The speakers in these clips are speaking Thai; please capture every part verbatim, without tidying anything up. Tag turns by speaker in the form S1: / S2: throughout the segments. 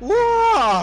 S1: ว้า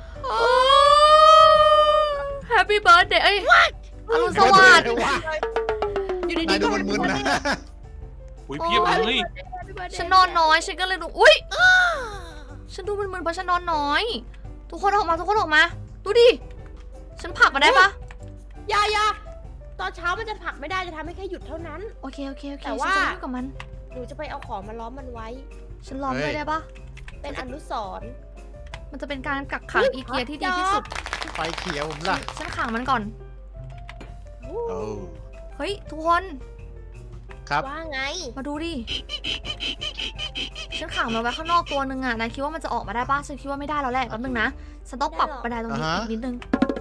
S2: แฮปปี้เบิร์ดเดย์เอ้ยอรุณสวัสดิ์
S1: อยู่ดีๆดูมึนๆนะ
S3: อุ้ยเพียบเลย
S2: ฉันนอนน้อยฉันก็เลยดูอุ้ยฉันดูมึนๆเพราะฉันนอนน้อย ทุกคนออกมาทุกคนออกมาดูดิฉันผลักมาได้ปะ
S4: ยายาตอนเช้ามันจะผลักไม่ได้จะทำให้แค่หยุดเท่านั้น
S2: โอเคโอเคโอเค
S4: แต่
S2: ฉัน
S4: ว่า
S2: จะยุ่งกับมัน
S4: หนูจะไปเอาของมาล้อมมันไว้
S2: ฉันล้อมด้วยได้ปะ
S4: เป็นอนุสรณ์
S2: มันจะเป็นการกักขังอีเกียที่ดีที่สุด
S1: ไฟเขียวผมล่ะ
S2: ฉันขังมันก่อน
S1: โอ้
S2: เฮ้ยทุกคน
S1: ครับ
S4: ว่าไง
S2: มาดูดิฉันขังมันไว้ข้างนอกตัวนึงอ่ะนายคิดว่ามันจะออกมาได้ปะฉันคิดว่าไม่ได้แล้วแหละแป๊บนึงนะฉันต้องปรับบันไดตรงนี้อีกนิดนึง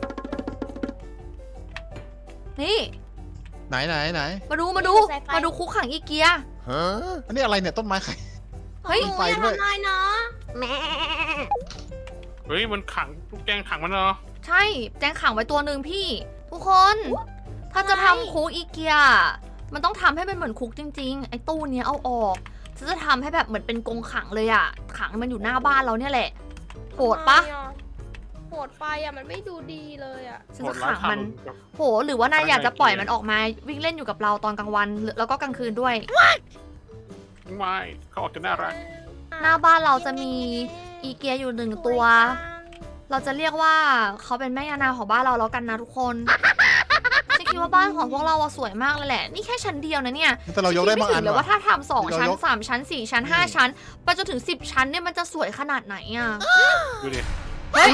S2: นี่
S1: ไหนไหนไหน
S2: มาดูมาดูมาดูคุกขังอีเกีย
S1: ฮะอันนี้อะไรเนี่ยต้นไม้ไข่
S2: เฮ้ย
S4: หนู
S1: ไฟ
S4: อย่า
S1: ด้วย
S4: ทำลายเนาะแม่
S3: เฮ้ยมันขังลูกแกงขังมันเนาะ
S2: ใช่แจงขังไว้ตัวหนึ่งพี่ ทุกคน ถ้าจะทำคุกอีเกีย มันต้องทำให้มันเหมือนคุกจริงๆ ไอ้ตู้เนี้ยเอาออกฉันจะทำให้แบบเหมือนเป็นกรงขังเลยอะขังให้มันอยู่หน้าบ้านเราเนี่ยแหละโหดปะ
S4: โหดไปอ่ะมันไม่ดูดีเลยอ่ะ
S2: ฉันจะขังมันโหหรือว่านายอยากจะปล่อยมันออกมาวิ่งเล่นอยู่กับเราตอนกลางวันหรือแล้วก็กลางคืนด้วย
S3: ไม่เขาออกจะน่ารัก
S2: หน้าบ้านเราจะมีอีเกียอยู่หนึ่งตัว เราจะเรียกว่าเขาเป็นแม่ยานางของบ้านเราแล้วกันนะทุกคนฉันคิดว่าบ้านของพวกเราอะสวยมากเลยแหละนี่แค่ชั้นเดียวนะเนี่ย
S1: แต่เรายกได้บาง
S2: ฉั
S1: อั
S2: น
S1: น
S2: คิดไม่ถึงเลยว่า
S1: ว่ะ
S2: ถ้าทำสอง
S1: เรา
S2: ชั้น
S1: ยก
S2: สามชั้นสี่ชั้นห้าชั้นไปจนถึงสิบชั้นเนี่ยมันจะสวยขนาดไหนอะ
S3: ดูดิ
S2: เฮ้ย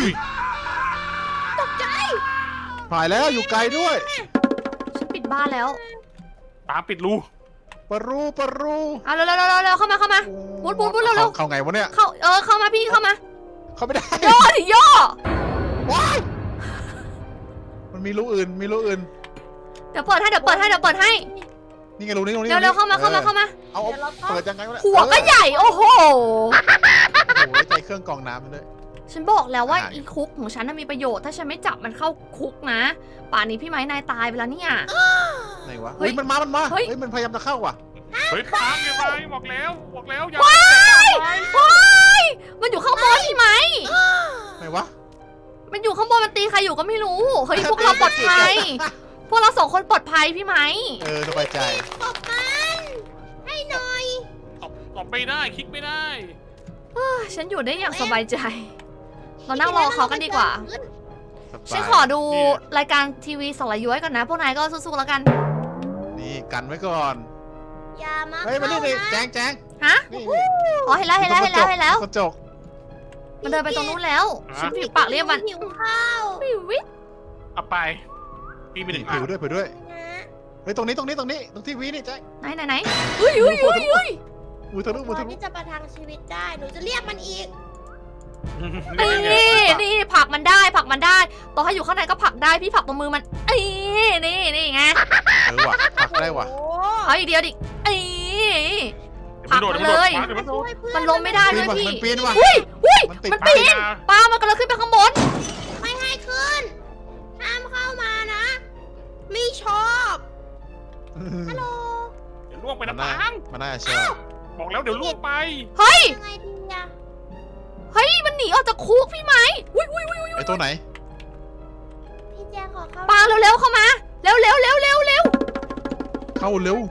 S1: ถ่ายแล้วอยู่ไกลด้วย
S2: ฉันปิดบ้านแล้ว
S3: ตามปิดรู
S1: ปะรูปะรู
S2: เอาเร็วเร็วเร็วเร็วเข้ามาเข้ามา มุดมุดมุดเร็วเร็ว
S1: เข้าไงวะเนี่ย
S2: เข้าเออเข้ามาพี่เข้ามา
S1: เข้าไม่ได้
S2: ย่อดิย่อ
S1: ว้ายมันมีรูอื่นมีรูอื่น
S2: เดี๋ยวเปิดให้เดี๋ยวเปิดให้เดี๋ยวเปิดให้
S1: นี่ไงรูนี้รูนี้
S2: เร็วเร็วเข้ามาเข้ามาเข้ามา
S1: เอาเอา
S4: เดี๋ยวเราต้อง
S1: เปิดยังไงวะเนี่ย
S2: หัวก็ใหญ่โอ้โห
S1: โอ้โหใจเครื่องกรองน้ำมันด้วย
S2: ฉันบอกแล้วว่า
S1: อ่า
S2: อีคุกของฉันน่ะมีประโยชน์ถ้าฉันไม่จับมันเข้าคุกนะ ป่านนี้พี่ไม้นายตายไปแล้วเนี่ย
S1: ไหนวะ
S2: เฮ้
S1: เฮ้
S2: ย
S1: ยมันมามันมา
S2: เฮ้ย
S1: เฮ้ยมันพยายามจะเข้าว่ะ
S3: เฮ้ยตามยังไงบอกแล้วบอกแล้วอย่า
S2: ว้ายว้ายมันอยู่ข้างบนพี่ไม้
S1: ไหนวะ
S2: มันอยู่ข้างบนมันตีใครอยู่ก็ไม่รู้เฮ้ยพวกเราปลอดภัยพวกเราสองคนปลอดภัยพี่ไม้
S1: เออสบายใจ
S4: ตบมันให้หน่อย
S3: ตบตบไม่ได้คลิกไม่ได้
S2: ฉันอยู่ได้อย่างสบายใจ เรานั่งรอเขากันดีกว่า
S1: สบาย
S2: ฉันขอดูรายการทีวีสารย้อยก่อนนะ พวกนายก็สู้ๆแล้วกัน
S1: นี่กันไว้ก่อน
S4: อย่ามา
S1: เฮ้ยมานี่
S4: เข้า
S1: ดิ
S4: นะ
S1: แจงแจง
S2: ฮะ
S1: นี่
S2: อ๋อเห็นแล้วเห็นแล้วเห็นแล้วเห็นแล้ว
S1: กระจก
S2: มันเดินไปตรงนู้นแล้ว
S3: ฮะ
S2: ฉันผิวปากเรียกมัน
S4: หิวข้าว
S2: วิววิ
S3: เอาไปปีไปห
S1: นี่
S3: นึ่ง
S1: ผิ
S3: อั
S1: วน ด้วยผิวด้วย
S4: นะ
S1: เฮ้ยตรงนี้ตรงนี้ตรงนี้ตรงทีวีนี่แจง
S2: ไหนไหนไหนอุ้ยอุ้ยอุ้ยอุ้ย
S1: มือทะลุมือ
S4: พอ
S1: ทะลุ
S4: ที่จะประทังชีวิตได้ หนูจะเรียกมันอีก
S2: นี่นี่ผลักมันได้ผลักมันได้ต่อให้อยู่ข้างในก็ผลักได้พี่ผลักตรงมือมันเอ้ยนี่นี่ไง
S1: เออว่ะปักได้ว่ะ
S4: โอ้
S2: เอาอีกเดียวดิเอ้ย ผลักมันเลย
S3: เดี๋ยวมันโดด
S4: ช่วยเพื่อน
S2: มันลงไม่ได้
S1: ปี
S2: ด้
S1: น
S2: วย
S1: ว่ะ
S2: พี่
S1: มันปีนว่ะ
S2: อุ้ยอุ้ย
S1: มันติด
S2: มันปีน
S3: นะ
S2: ปลามันกำลังขึ้นไปข้างบน
S4: ไม่ให้ขึ้น ห้ามเข้ามานะ ไม่ชอบ ฮัลโหล
S3: เดี๋ยวล่วงไป
S1: มัน
S3: น้ำ
S1: น่า
S3: ตาง
S1: มันน่าชอบ
S3: บอกแล้วเดี๋ยวล่วงไป
S2: เฮ้ย
S4: ยังไงดีอะ
S2: เฮ้ยมันหนีออกจากคุกพี่ไหมอุ้ยอุ้ยอุ้ย
S1: ไอ้ตัวไหน
S4: พี่แจงขอเข้า
S2: ปลาเร็วๆเข้ามาเร็วเร็วเร็วเร็วเร็ว
S1: เข้าเร็ว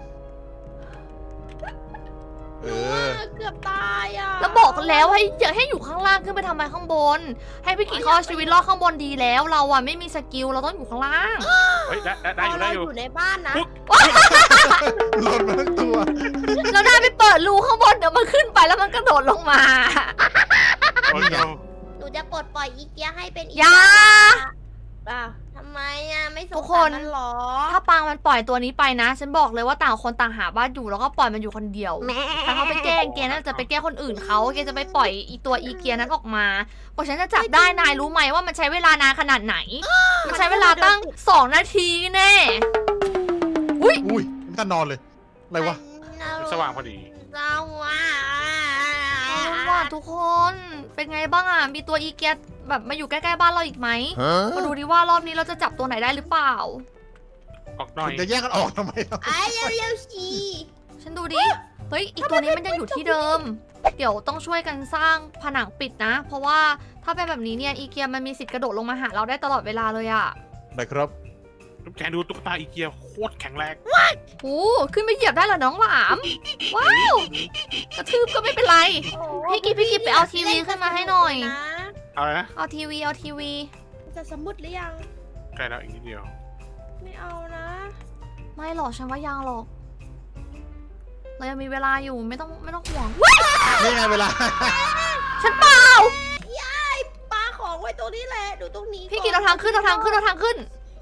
S1: เอ
S4: หนู
S1: อ
S4: อะเกือบตายอะ
S2: แล้วบอกแล้วให้อย่าให้อยู่ข้างล่างขึ้นไปทำไมข้างบน ให้พี่กิ๊กเขาเอาชีวิตรอดข้างบนดีแล้ว เราอะไม่มีสกิลเราต้องอยู่ข้างล่าง
S3: เฮ้ยได้ได้ได้อยู่ได้อยู่
S4: เราอยู่ในบ้านนะ
S1: หล่นมาทั้งตัว
S2: เราได้ไปเปิดรูข้างบนเดี๋ยวมันขึ้นไปแล้วมันกระโดดลงมา
S3: โอ้ย
S1: นี่ไง
S4: หนูจะปลดปล่อยอีเกียให้เป็นอี
S2: อย่า
S4: อ่ะทำไมอะไม่สง
S2: ทุกค
S4: สาร
S2: น
S4: มันหรอ
S2: ถ้าปางมันปล่อยตัวนี้ไปนะ ฉันบอกเลยว่าต่างคนต่างหาบ้านอยู่แล้วก็ปล่อยมันอยู่คนเดียว ถ้าเขาไปแกล้งแกน่าจะไปแกล้งคนอื่นเขาแกจะไปปล่อยอีตัวอีเกียนั้นออกมาพอฉันจะจับได้นายรู้ไหมว่ามันใช้เวลานานขนาดไหน มันใช้เวลาตั้งสองนาทีแน่
S1: อุ้ยไม่ทันนอนเลย อะไรวะ
S3: สว่างพอดี
S4: สว่าง
S2: เอาล่ะทุกคน เป็นไงบ้างอ่ะ มีตัวอีเกียแบบมาอยู่ใกล้ๆบ้านเราอีกไหม มาดูดิว่ารอบนี้เราจะจับตัวไหนได้หรือเปล่า
S3: ออกหน่อย
S1: คุณจะแยกกันออกทำไมอ่ะ
S4: ไอ้เร็วๆสิ
S2: ฉันดูดิเฮ้ยอีกตัวนี้มันยังอยู่ที่เดิม เดี๋ยวต้องช่วยกันสร้างผนังปิดนะ เพราะว่าถ้าเป็นแบบนี้เนี่ยอีเกียมันมีสิทธิ์กระโดดลงมาหาเราได้ตลอดเวลาเลยอะ
S1: ได้ครับ
S3: ลูกแกดูตุ๊กตาอีเกียโคตรแข็งแรง
S2: โอ้ขึ้นไปเหยียบได้เหรอน้องหลาม ว้าว กระทืบก็ไม่เป็นไร พี่กิ๊บพี่กิ๊บไปเอาทีวีขึ้นมาให้หน่อย
S4: นะ
S3: อะไรนะ
S2: เอาทีวีเอาทีวี
S4: จะสมุดหรือยัง
S3: ใกล้แล้วอีกนิดเดียว
S4: ไม่เอานะ
S2: ไม่หรอกฉันว่ายังหรอก เรายังมีเวลาอยู่ไม่ต้องไม่ต้องห่วง
S1: นี่ไงเวลา
S2: ฉันเปล่า
S4: ยายปาของไว้ตรงนี้แหละดูตรงนี้
S2: พี่กิ๊บเราทางขึ้นเราทางขึ้นเราทางขึ้น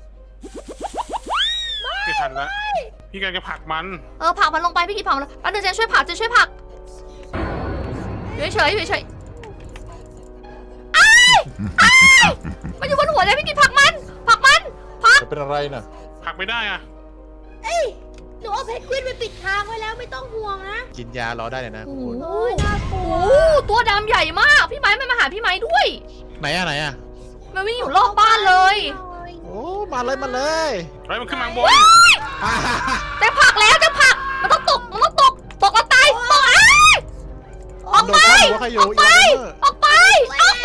S3: ไม่ทันแล้วพี่กำลังจะผลักมัน
S2: เออผลักมันลงไปพี่กิ๊บผลักมันแล้วเดี๋ยวเจนช่วยผลักเจนช่วยผลักอยู่เฉยๆอยู่เฉยๆอ้ายอ้ายมันอยู่บนหัวเลยพี่กิ๊บผลักมันผลักมันผลัก
S1: จะเป็นอะไรน่ะ
S3: ผลักไม่ได้อะ
S4: เอ้ยหนูเอาเพนกวินไปปิดทางไว้แล้วไม่ต้องห่วงนะ
S1: กินยารอได้เลยนะ
S2: โอ้
S1: คุณ
S2: โห
S4: โอ้ยน่ากลัว
S2: โอ้โหตัวดำใหญ่มากพี่ไม้มันมาหาพี่ไม้ด้วย
S1: ไหนอะไหนอะ
S2: มันวิ่งอยู่รอบบ้านเลย
S1: โอ้มาเลยมาเลย
S3: เฮ้ยมันขึ้นมาข้างบน
S1: อ่า
S2: แต่ผลักแล้วจะผลักมันต้องตกมันต้องตกตกแล้วตายตกอ้าย ออกไป
S1: โดนข้ามหัวใครอยู่
S2: ออกไป
S1: อีวานเนอร์
S2: ออกไปออกไป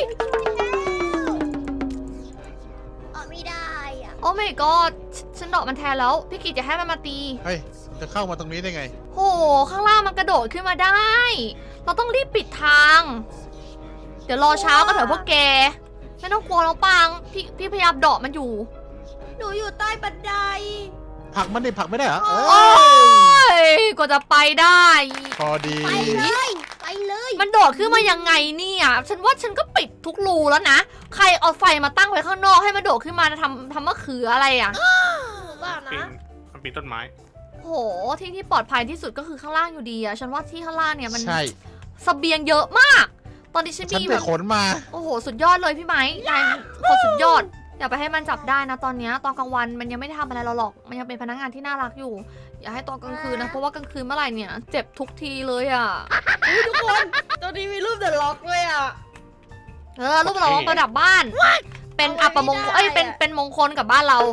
S4: ออกไม่ได้อะ
S2: โอ้ my god ฉันเดอกมันแทนแล้วพี่กิจจะให้มันมาตี
S1: เฮ้ยมันจะเข้ามาตรงนี้ได้ไง
S2: โห ข้างล่างมันกระโดดขึ้นมาได้ เราต้องรีบปิดทาง เดี๋ยวรอเช้ากันเถอะพวกแก ไม่ต้องกลัวน้องปัง พี่พี่พยายามเดาะมันอยู่
S4: หนูอยู่ใต้บันได
S1: ผลักมันดิผลักไม่ได้เหรอเอ
S2: โอ้
S1: อย
S2: กว่าจะไปได้
S1: พอดี
S4: ไปเลย ไปเลย
S2: มันโดดขึ้นมายังไงเนี่ย ฉันว่าฉันก็ปิดทุกรูแล้วนะ ใครเอาไฟมาตั้งไว้ข้างนอกให้มันโดดขึ้นมาทำทำมะเขืออะไรอ่ะ
S4: บ้า
S3: ปี
S4: นะ
S3: นมันปีนต้นไม้
S2: โห ที่ที่ปลอดภัยที่สุดก็คือข้างล่างอยู่ดีอะฉันว่าที่ข้างล่างเนี่ยมัน
S1: ใช่
S2: เสบียงเยอะมาก ตอนนี้ฉัน
S1: ฉัน
S2: มี
S1: ไป
S2: แบบ
S1: ขนมา
S2: โอ้โห สุดยอดเลยพี่ไม้นายโคตรสุดยอด อย่าไปให้มันจับได้นะตอนเนี้ยตอนกลางวันมันยังไม่ได้ทำอะไรเราหรอก มันยังเป็นพนักงานที่น่ารักอยู่ อย่าให้ตอนกลางคืนนะ เพราะว่ากลางคืนเมื่อไหร่เนี่ย เจ็บทุกทีเลยอะ
S4: อุ๊ยทุกคน ตอนนี้มีรูปเดอะล็อกเลยอ่ะ
S2: เออรูปเราประดับบ้าน เป็นอัปมงคลเอ้ย เป็น เป็นมงคลกับบ้านเรา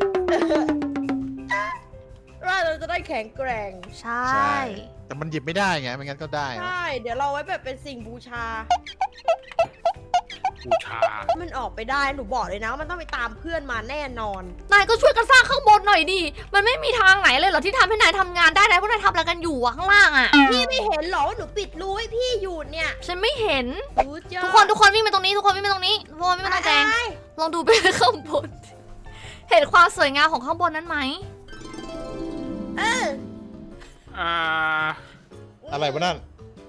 S4: ว่าเราจะได้แข็งแกร่ง
S2: ใช่
S1: ใช่ แต่มันหยิบไม่ได้ไงไม่งั้นก็ได้
S4: ใช่ เดี๋ยวเราไว้แบบเป็นสิ่งบูชา
S3: บูชา
S4: มันออกไปได้ หนูบอกเลยนะว่ามันต้องไปตามเพื่อนมาแน่นอน
S2: นายก็ช่วยกันสร้างข้างบนหน่อยดิ มันไม่มีทางไหนเลยเหรอที่ทำให้นายทำงานได้นายพวกนายทำอะไรกันอยู่อะข้างล่างอะ
S4: พี่ไม่เห็นเหรอว่าหนูปิดรูให้พี่อยู่เนี่ย
S2: ฉันไม่เห็น
S4: รู้จ้ะ
S2: ทุกคนทุกคนวิ่งไปตรงนี้ทุกคนวิ่งไปตรงนี้ทุกคนวิ่งไปตรงแจง
S4: ไป
S2: ลองดูไปข้างบน เห็นความสวยงามของข้างบนนั้นไหม
S4: เออ
S3: อ่า
S1: อะไรวะนั่น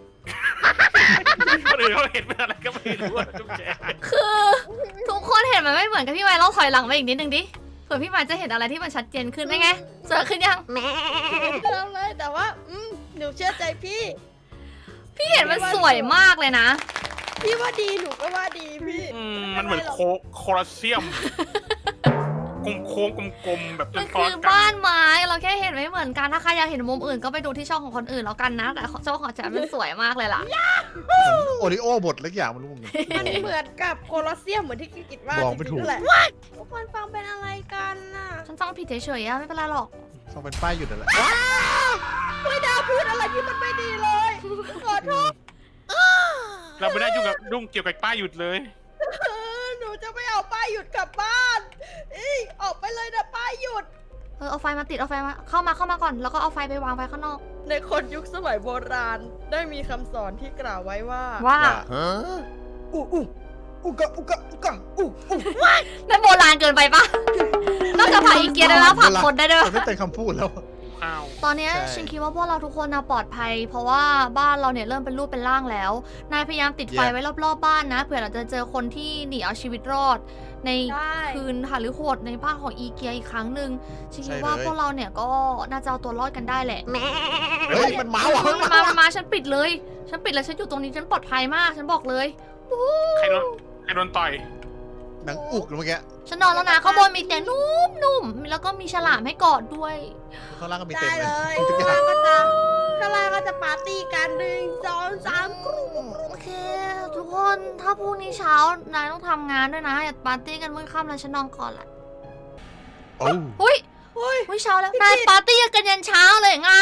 S3: คนอื่นเขาเห็นเป็นอะไรก็ไม่รู้อะจุ๊บแจ๊
S2: คือทุกคนเห็นมันไม่เหมือนกับพี่ไม้เราถอยหลังไปอีกนิดนึงดิเผื่อพี่ไม้จะเห็นอะไรที่มันชัดเจนขึ้นได้ไงสวยขึ้นยัง
S4: แม่เริ่มเลยแต่ว่า อืมหนูเชื่อใจพี่
S2: พี่เห็นมันสวยมากเลยนะ
S4: พี่ว่าดีหนูก็ว่าดีพี่
S3: อืมมันเหมือนโคโคลอสเซียมกลมโค้งกลมๆแบบจ
S2: มัน น
S3: ซ้อ
S2: คื
S3: น
S2: อ
S3: กัน
S2: บ้านไม้เราแค่เห็นไม่เหมือนกันถ้าใครอยากเห็นมุมอื่นก็ไปดูที่ช่องของคนอื่นแล้วกันนะ แต่ช่องของฉันมันสวยมากเลยล่ะ
S1: โอริโอ บทเล็กอย่างมันรู้มึง
S4: มันเหมือนกับโคลอสเซียมเหมือนที่กิกิดว่า
S1: บอกไม่ถูก
S4: จริงๆนั่นแหละทุกคนฟังเป็นอะไรกันน่ะ
S2: ฉันฟังผิดเฉยๆอะไม่เป็นไรหรอก
S1: ต้องเป็นป้ายหยุดนั่นแหละ
S4: ไม่ได้พูดอะไรที่มันไม่ดีเลยขอโทษ
S3: เราไม่ได้ยุ่งกับยุ่งเกี่ยวกับป้ายหยุดเลย
S4: เออหนูจะไม่เอาป้ายหยุดกลับบ้านอีออกไปเลยนะป้ายหยุด
S2: เออเอาไฟมาติดเอาไฟมาเข้ามาเข้ามาก่อนแล้วก็เอาไฟไปวางไว้ข้างนอก
S4: ในคนยุคสมัยโบราณได้มีคำสอนที่กล่าวไว้ว่า
S2: ว่า
S1: ฮะ
S4: อู้อู้อุกะอุกะอุกะอู้อู้
S2: นั่นโบราณเกินไปปะ นอกจากผักอีเกียได้แล้วผักคนได้ด้วย
S1: มันไม่เป็นคำพูดแล้ว
S3: ข้าว
S2: ตอนเนี้ย
S1: ใช่
S2: ฉันคิดว่าพวกเราทุกคนนะปลอดภัย เพราะว่าบ้านเราเนี่ยเริ่มเป็นรูปเป็นร่างแล้ว นายพยายามติดไฟ
S1: Yeah.
S2: ไว้รอบๆบ้านนะเผื่อเราจะเจอคนที่หนีเอาชีวิตรอด ใน
S4: ได้
S2: คืนหรือโหดในบ้านของอีเกียอีกครั้งหนึ่งฉันคิด
S1: ใช่
S2: ว่า
S1: เลย
S2: พวกเราเนี่ยก็น่าจะเอาตัวรอดกันได้แหละ
S1: เฮ้ยมันมาว่ะ
S2: เฮ้ยมันมามันมาฉันปิดเลย ฉันปิดเลยฉันอยู่ตรงนี้ฉันปลอดภัยมาก ฉันบอกเลย
S3: ใครโดนใครโดนต่อย
S1: หนังอุกเมื่อกี้
S2: ฉันนอนแล้วนะข้างบนมีเตียงนุ่มๆแล้วก็มีฉลามให้กอดด้วย
S1: ข้างล่างก็มี
S4: ได้
S1: เต็มเล
S4: เลย ย
S1: มีทุกอ
S4: ข้าง
S1: ย่าง
S4: ล่างก็จะข้างล่างก็จะปาร์ตี้กันหนึ่งสองสามกรุ๊ป
S2: โอเค ทุกคนถ้าพรุ่งนี้เช้านายต้องทำงานด้วยนะอย่าปาร์ตี้กันมื้อค่ำแล้วฉันนอนก่อนละ
S1: โอ้
S2: หุ้ย
S4: ฮ้ย
S2: เฮ้ยเช้าแล้วนายปาร์ตี้กันยันเช้าเลยไง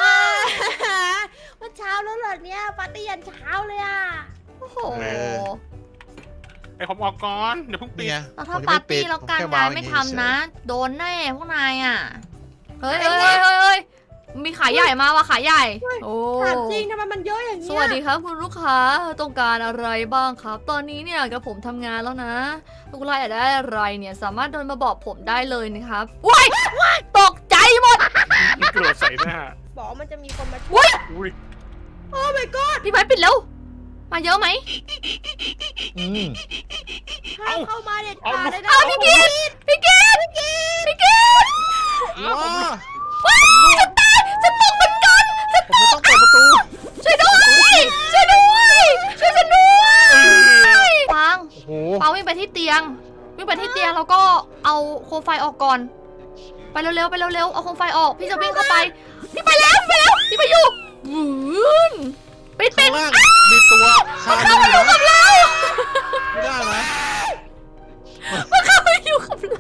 S4: มันเช้าแล้วเหรอเนี่ยปาร์ตี้ยันเช้าเลยอ่ะ
S2: โอ้โห
S3: ไอ้ผมออกก่อนเดี๋ยวเพิ่งปิด
S1: เนี่ย
S2: แล้วถ้า
S1: ผมจะ
S2: ปา
S1: ไม่
S2: ร์ตี้
S1: ปิด
S2: แล้ว
S1: ผม
S2: การ
S1: แค่
S2: งาน
S1: วาง
S2: ไม่
S1: อย่าง
S2: ทำ
S1: เฉย
S2: นะ โดนแน่พวกนายอ่ะ เฮ้ยเฮ้ยเฮ้ยเฮ้ยเฮ้ยมีขายใหญ่มาว่ะขายใหญ่ โอ้
S4: ถามจริงทำไมมันเยอะอย่าง
S2: ส
S4: เงี้ย
S2: วัสดีครับคุณลูกค้าต้องการอะไรบ้างครับ ตอนนี้เนี่ยกับผมทำงานแล้วนะลูกค้าอยากได้อะไรเนี่ยสามารถเดินมาบอกผมได้เลยนะครับว้ายตกใจหมด
S3: กระโดดใส่หน้า
S4: บอกว่ามันจะมีคนมาช่วย
S2: อุ้ย
S3: อุ้ย
S4: โอ้ my god
S2: พี่ไม้ปิดแล้วมาเยอะไหม
S1: อืม
S4: ห้ามเข้ามาเด็ดขาดเลยนะ
S2: อ้าวพี่กิตพี่กิตพี่กิตพี่กิต
S1: ว้า
S2: ว้ายจะตายจะตกเหมือนกันจะ
S1: ผมจะต้องเปิดประตู
S2: ช่วยด้วยช่วยด้วยช่วยฉันด้วยฟัง
S1: โอ้โห
S2: ปาวิ่งไปที่เตียง วิ่งไปที่เตียงแล้วก็เอาโคมไฟออกก่อน ไปเร็วๆไปเร็วๆเอาโคมไฟออก พี่จะวิ่งเข้าไป พี่ไปแล้วไปแล้วพี่ไปอยู่วืนปิดปิ
S1: ข้า
S2: ด
S1: งล่างมีตัวคา
S2: เข้า
S1: อยู่
S2: มาอยู่กับ
S1: นะ
S2: เรา
S1: ไม่ได้ไหม
S2: มันเข้ามาอยู่กับเรา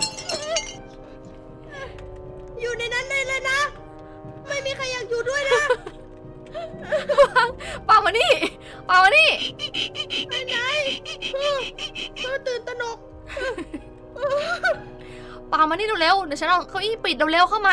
S4: อยู่ในนั้นเลยเลยนะ ไม่มีใครอยากอยู่ด้วยนะ
S2: ปามานี่ปามานี่
S4: ไปไหนเออเออตื่นตระหนก
S2: ปามานี่เร็วๆเดี๋ยวฉันเอาเก้าอี้ปิดเร็วๆเข้ามา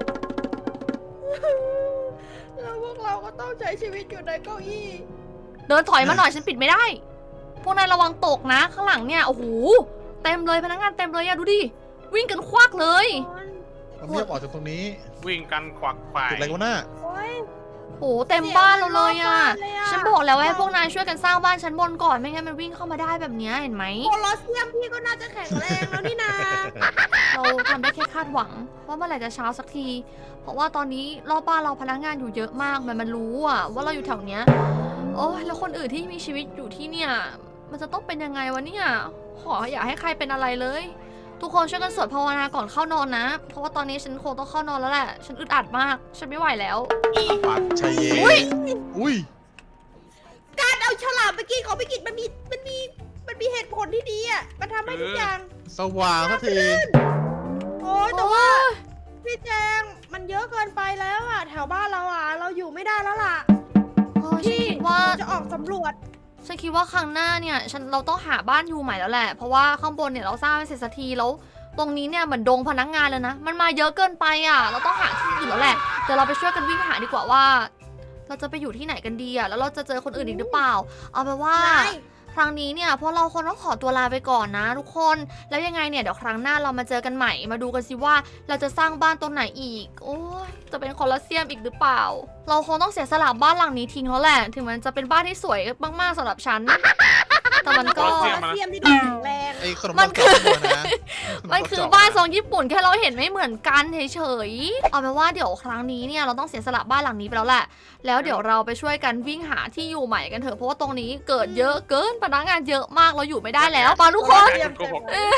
S4: แล้วพวกเราก็ต้องใช้ชีวิตอยู่ในเก้าอี้
S2: เดินถอยมาหน่อยฉันปิดไม่ได้ พวกนายระวังตกนะ ข้างหลังเนี่ยโอ้โหเต็มเลยพนักงานเต็มเลยอะดูดิวิ่งกันควักเลย
S1: ผมไม่ยอมออกจากตรงนี้
S3: วิ่งกันขวักไขว
S1: ติดอะไรกันวะหน้า
S4: โอ้ย
S2: โอ้โหเต็มบ้านเราเลยอะ
S4: เสียงมันรอบบ้านเลยอะ
S2: ฉันบอกแล้วว่าให้พวกนายช่วยกันสร้างบ้านชั้นบนก่อนไม่งั้นมันวิ่งเข้ามาได้แบบเนี้ยเห็นไหม
S4: โคลอสเซียมพี่ก็น่าจะแข็งแรงแล้วนี่นา
S2: เราทำได้แค่คาดหวังว่าเมื่อไหร่จะเช้าสักที เพราะว่าตอนนี้รอบบ้านเราพนักงานอยู่เยอะมากมันมันรู้อะว่าเราอยู่แถวเนี้ยโอ้ยแล้วคนอื่นที่มีชีวิตอยู่ที่เนี่ย มันจะต้องเป็นยังไงวะเนี่ยขออย่าให้ใครเป็นอะไรเลย ทุกคนช่วยกันสวดภาวนาก่อนเข้านอนนะ เพราะว่าตอนนี้ฉันคงต้องเข้านอนแล้วแหละ ฉันอึดอัดมาก ฉันไม่ไหวแล้ว
S1: ปัดชัยเย
S2: อุ้ย
S1: อุ้ย
S4: การเอาฉลามไปกินของไปกินมันมีมันมีมันมีเหตุผลที่ดีอ่ะมันทำให้ทุกอย่าง
S1: สว่างสักที
S4: โอ้ยแต่ว่าพี่แจงมันเยอะเกินไปแล้วอ่ะ แถวบ้านเราอ่ะ เราอยู่ไม่ได้แล้วล่ะ
S2: เออฉันคิดว่า
S4: เราจะออกสำรวจ
S2: ฉันคิดว่าครั้งหน้าเนี่ยฉันเราต้องหาบ้านอยู่ใหม่แล้วแหละ เพราะว่าข้างบนเนี่ยเราสร้างไม่เสร็จสักทีแล้ว ตรงนี้เนี่ยเหมือนดงพนักงานเลยนะ มันมาเยอะเกินไปอ่ะ เราต้องหาที่อื่นแล้วแหละ เดี๋ยวเราไปช่วยกันวิ่งหาดีกว่าว่า เราจะไปอยู่ที่ไหนกันดีอ่ะ แล้วเราจะเจอคนอื่นอีกหรือเปล่า เอาเป็นว่า
S4: ได้
S2: ครั้งนี้เนี่ยพวกเราคนต้องขอตัวลาไปก่อนนะทุกคน แล้วยังไงเนี่ยเดี๋ยวครั้งหน้าเรามาเจอกันใหม่ มาดูกันสิว่าเราจะสร้างบ้านตรงไหนอีก โอ้ยจะเป็นคอลอสเซียมอีกหรือเปล่า เราคงต้องเสียสละบ้านหลังนี้ทิ้งแล้วแหละ ถึงมันจะเป็นบ้านที่สวยมากๆสำหรับฉัน แต่มันก็
S4: โคลอสเซียมที่ดูแข็งแรง
S1: ไอ้ขนม
S2: มั
S1: ปั
S2: น
S1: ง
S2: คื
S1: กร
S2: อ
S1: อบตัวนะ
S2: มันคือบ้านทรงญี่ปุ่นแค่เราเห็นไม่เหมือนกันเฉยๆ เอาเป็นว่าเดี๋ยวครั้งนี้เนี่ยเราต้องเสียสละบ้านหลังนี้ไปแล้วแหละ แล้วเดี๋ยวเราไปช่วยกันวิ่งหาที่อยู่ใหม่กันเถอะ เพราะว่าตรงนี้เกิดเยอะเกินพนักงานเยอะมากเราอยู่ไม่ได้แล้วปาทุกคน
S4: โคลอสเซียม
S3: โกหก
S2: เออ